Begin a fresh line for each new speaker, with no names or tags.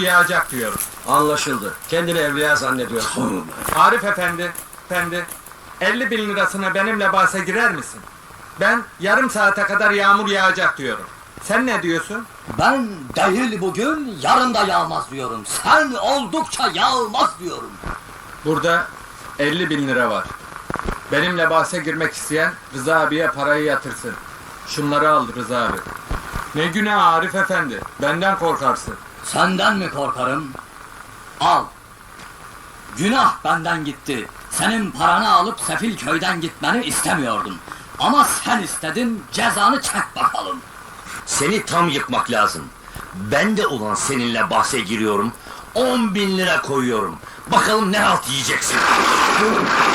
yağacak diyorum.
Anlaşıldı. Kendini evliya zannediyorsun.
Arif efendi, 50 bin lirasına benimle bahse girer misin? Ben yarım saate kadar yağmur yağacak diyorum. Sen ne diyorsun?
Ben değil bugün, yarın da yağmaz diyorum. Sen oldukça yağmaz diyorum.
Burada 50 bin lira var. Benimle bahse girmek isteyen Rıza abiye parayı yatırsın. Şunları al Rıza abi. Ne günah Arif efendi, benden korkarsın.
Senden mi korkarım? Al. Günah benden gitti. Senin paranı alıp sefil köyden gitmeni istemiyordum. Ama sen istedin, cezanı çek bakalım.
Seni tam yıkmak lazım. Ben de ulan seninle bahse giriyorum. 10 bin lira koyuyorum. Bakalım ne halt yiyeceksin.